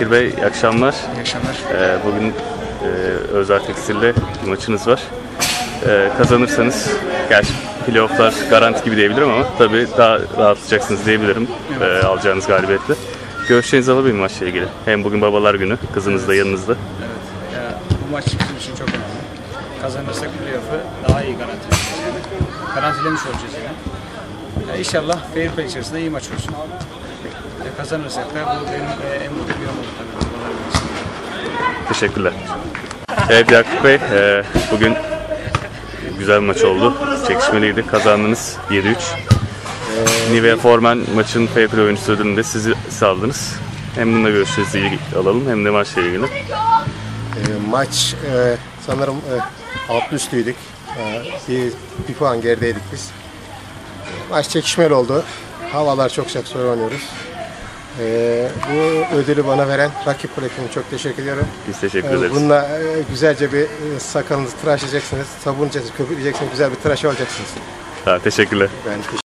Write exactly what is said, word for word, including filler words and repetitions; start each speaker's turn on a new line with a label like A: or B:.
A: Bekir Bey, iyi akşamlar.
B: İyi akşamlar.
A: Ee, bugün e, Özel Tekstil'le bir maçınız var. Ee, kazanırsanız, gerçi playofflar garanti gibi diyebilirim ama tabii daha rahatlayacaksınız diyebilirim evet. e, alacağınız galibiyetle. Görüşlerinizi alabilir miyim maçla ilgili? Hem bugün babalar günü, kızınız evet. da yanınızda.
B: Evet. Ya, bu maç bizim için çok önemli. Kazanırsak playoff'u daha iyi garantilemiş yani. Garantilemiş olacağız yani. Ya, İnşallah fair play içerisinde iyi maç olsun. Ya, kazanırsak da bu benim e, en mutlu bir an olur tabii.
A: Teşekkürler. Evet Yakup Bey, e, bugün güzel bir maç oldu. Çekişmeliydi. Kazandınız yedi üç. Ee, Nivea Formen maçın fair play oyuncusu ödülünü de siz aldınız. Hem bununla görüşlerinizi alalım hem de maçla ilgili.
C: E, maç e, sanırım e, alt üstüydük. E, bir, bir puan gerideydik biz. Maç çekişmeli oldu. Havalar çok sıcak, sonra oynuyoruz. E, bu ödülü bana veren rakip kulübüne çok teşekkür ediyorum.
A: Biz teşekkür ederiz.
C: E, bununla e, güzelce bir e, sakalınızı tıraş edeceksiniz, sabun içeceksiniz, köpükleyeceksiniz, güzel bir tıraş olacaksınız.
A: Ha, teşekkürler.
C: Ben teşekkür